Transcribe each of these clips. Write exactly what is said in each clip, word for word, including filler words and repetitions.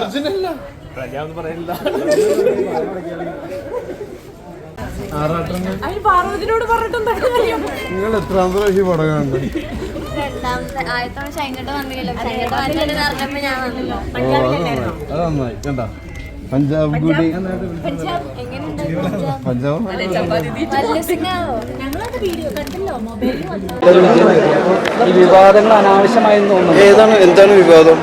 പാർവതിനോട് പറഞ്ഞിട്ടും നിങ്ങൾ എത്രാമത്തെ പ്രാവശ്യം പടം കാണുന്നുണ്ട്? അത് നന്നായി കണ്ട പഞ്ചാബ് ഗുഡി പഞ്ചാബ് ഈ വിവാദങ്ങൾ അനാവശ്യമായി തോന്നുന്നു. ഏതാണ് എന്താണ് വിവാദം?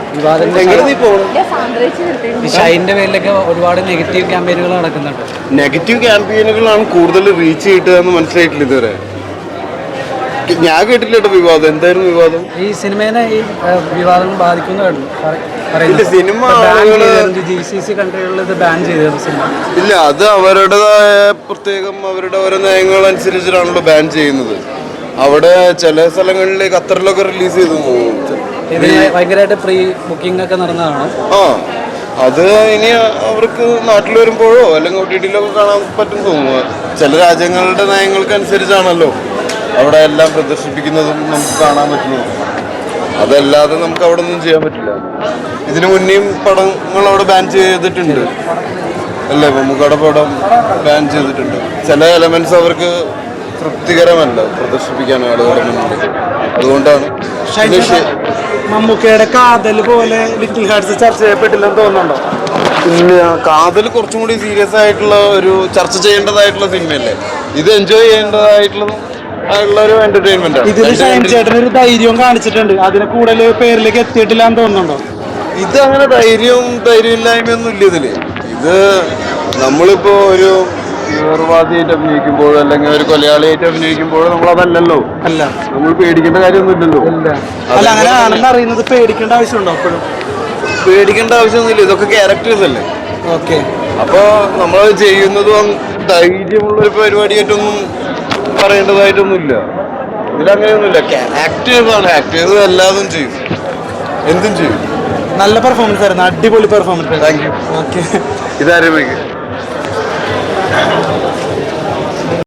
ഷൈൻ്റെ പേരിലൊക്കെ ഒരുപാട് നെഗറ്റീവ് ക്യാമ്പയിനുകൾ നടക്കുന്നുണ്ട്. നെഗറ്റീവ് ക്യാമ്പയിനുകളാണ് കൂടുതൽ റീച്ച് കിട്ടുക എന്ന് മനസ്സിലായിട്ടില്ല ഇതുവരെ. ഞാൻ കേട്ടില്ല കേട്ടോ വിവാദം. എന്തായിരുന്നു വിവാദം? ഈ സിനിമേനെ ഈ വിവാദങ്ങൾ ബാധിക്കുന്നു സിനിമ ജി സി സി കൺട്രികളിൽ ഇത് ബാൻ ചെയ്തത് സിനിമ ഇല്ല. അത് അവരുടേതായ പ്രത്യേകം അവരുടെ ഓരോ നയങ്ങൾ അനുസരിച്ചിട്ടാണല്ലോ ബാൻ ചെയ്യുന്നത്. അവിടെ ചില സ്ഥലങ്ങളിൽ ഖത്തറിലൊക്കെ റിലീസ് ചെയ്തു. ഇതിന് ഭയങ്കരമായിട്ട് പ്രീ ബുക്കിംഗ് ഒക്കെ നടന്നതാണ്. ആ അത് ഇനി അവർക്ക് നാട്ടിൽ വരുമ്പോഴോ അല്ലെങ്കിൽ ഒ ടി ടിയിലൊക്കെ കാണാൻ പറ്റും തോന്നുന്നു. ചില രാജ്യങ്ങളുടെ നയങ്ങൾക്ക് അനുസരിച്ചാണല്ലോ അവിടെ എല്ലാം പ്രദർശിപ്പിക്കുന്നതും നമുക്ക് കാണാൻ പറ്റുന്നത്. അതല്ലാതെ നമുക്ക് അവിടെ ഒന്നും ചെയ്യാൻ പറ്റില്ല. ഇതിനു മുന്നേയും പടങ്ങൾ അവിടെ ബാൻ ചെയ്തിട്ടുണ്ട് അല്ലേ? മമ്മൂക്കയുടെ പടം ബാൻ ചെയ്തിട്ടുണ്ട്. ചില എലമെന്റ്സ് അവർക്ക് തൃപ്തികരമല്ല പ്രദർശിപ്പിക്കാൻ ആളുകളുടെ മുന്നിൽ. അതുകൊണ്ടാണ് മമ്മൂക്കയുടെ കാതൽ പോലെ ലിറ്റിൽ ഹാർട്സ് ചർച്ച ചെയ്യപ്പെട്ടില്ലെന്ന് തോന്നുന്നുണ്ടോ? പിന്നെ കാതൽ കുറച്ചും കൂടി സീരിയസ് ആയിട്ടുള്ള ഒരു ചർച്ച ചെയ്യേണ്ടതായിട്ടുള്ള സിനിമയല്ലേ. ഇത് എൻജോയ് ചെയ്യേണ്ടതായിട്ടുള്ള ഒരു എന്റർടൈൻമെന്റ് ആണ്. ഇതിൽ ഷൈൻ ചേട്ടൻ ഒരു ധൈര്യവും കാണിച്ചിട്ടുണ്ട്. അതിനെ കൂടുതൽ പേരിലേക്ക് എത്തിയിട്ടില്ല എന്ന് തോന്നുന്നുണ്ടോ? ഇത് അങ്ങനെ ധൈര്യവും ധൈര്യമില്ലായ്മയൊന്നും ഇല്ല ഇതില്. ഇത് നമ്മളിപ്പോ ഒരു തീവ്രവാദിയായിട്ട് അഭിനയിക്കുമ്പോഴോ അല്ലെങ്കിൽ ഒരു കൊലയാളിയായിട്ട് അഭിനയിക്കുമ്പോഴോ നമ്മൾ അതല്ലല്ലോ. അല്ല, നമ്മൾ പേടിക്കേണ്ട കാര്യമൊന്നും ഇല്ലല്ലോ. അല്ല, അങ്ങനെ ആണെന്ന് അറിയുന്നത് പേടിക്കേണ്ട ആവശ്യമുണ്ടോ? അപ്പോഴും പേടിക്കേണ്ട ആവശ്യമൊന്നുമില്ല. ഇതൊക്കെ ക്യാരക്ടേഴ്സ് അല്ലേ. ഓക്കെ. അപ്പൊ നമ്മൾ ചെയ്യുന്നതും ധൈര്യമുള്ള ഒരു പരിപാടിയായിട്ടൊന്നും പറയേണ്ടതായിട്ടൊന്നുമില്ല. ഇതിലങ്ങനെയൊന്നുമില്ല. ആക്ടേഴ്സ് ആണ്. ആക്ടേഴ്സ് എല്ലാതും ചെയ്യും, എന്തും ചെയ്യും. നല്ല പെർഫോമൻസ് ആയിരുന്നു. അടിപൊളി പെർഫോമൻസ്. Thank you. ഓക്കെ. ഇതാരംഭിക്കും.